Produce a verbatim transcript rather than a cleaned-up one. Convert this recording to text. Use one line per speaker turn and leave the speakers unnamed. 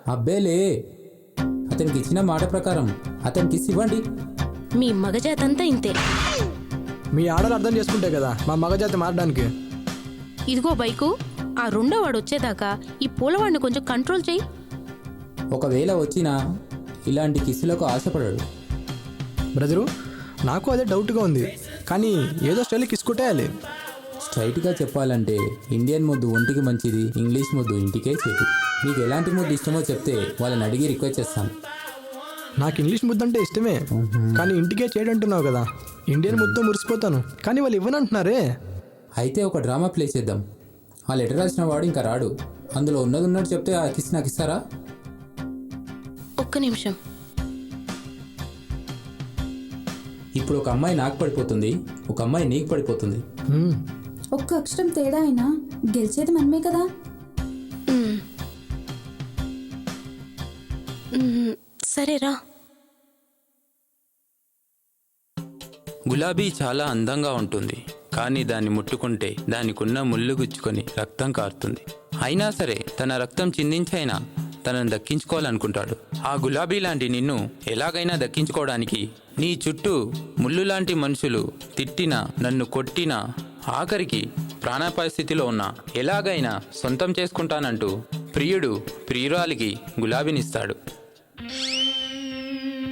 అబ్బేలే, అతనికి ఇచ్చిన మాట ప్రకారం అతనికి ఇచ్చి ఇవ్వండి.
మీ మగజాతంతా ఇంతే.
మీ ఆడలు అర్థం చేసుకుంటే కదా మా మగజాతి మారడానికి.
ఇదిగో బైకు, ఆ రెండో వాడు వచ్చేదాకా ఈ పూలవాడిని కొంచెం కంట్రోల్ చేయి.
ఒకవేళ వచ్చినా ఇలాంటి కిస్సులకు ఆశపడాడు.
బ్రదరు, నాకు అదే డౌట్గా ఉంది, కానీ ఏదో స్టైల్ కిసుకుంటేయాలి.
స్ట్రైట్గా చెప్పాలంటే ఇండియన్ ముద్దు ఒంటికి మంచిది, ఇంగ్లీష్ ముద్దు ఇంటికే చెడు. మీకు ఎలాంటి ముద్దు ఇష్టమో చెప్తే వాళ్ళని అడిగి రిక్వెస్ట్ చేస్తాను.
నాకు ఇంగ్లీష్ ముద్దు అంటే ఇష్టమే, కానీ ఇంటికే చేయడంటున్నావు కదా. ఇండియన్ ముద్దు మురిసిపోతాను, కానీ వాళ్ళు ఇవ్వనంటున్నారే.
అయితే ఒక డ్రామా ప్లే చేద్దాం. ఆ లెటర్ రాసిన వాడు ఇంకా రాడు, అందులో ఉన్నది ఉన్నట్టు చెప్తే ఆ కిస్ నాకు ఇస్తారా?
ఒక్క నిమిషం.
ఇప్పుడు ఒక అమ్మాయి నాకు పడిపోతుంది, ఒక అమ్మాయి నీకు పడిపోతుంది.
హ్మ్.
ఒక్క అక్షరం తేడా అయినా గెలిచేది మనమే కదా.
మ్మ్. మ్మ్, సరేరా.
గులాబీ చాలా అందంగా ఉంటుంది, కానీ దాన్ని ముట్టుకుంటే దానికున్న ముళ్ళు గుచ్చుకొని రక్తం కారుతుంది. అయినా సరే తన రక్తం చిందించైనా తనను దక్కించుకోవాలనుకుంటాడు. ఆ గులాబీ లాంటి నిన్ను ఎలాగైనా దక్కించుకోవడానికి నీ చుట్టూ ముళ్ళు లాంటి మనుషులు తిట్టినా, నన్ను కొట్టినా, ఆఖరికి ప్రాణాపాయ స్థితిలో ఉన్నా ఎలాగైనా సొంతం చేసుకుంటానంటూ ప్రియుడు ప్రియురాలికి గులాబీనిస్తాడు.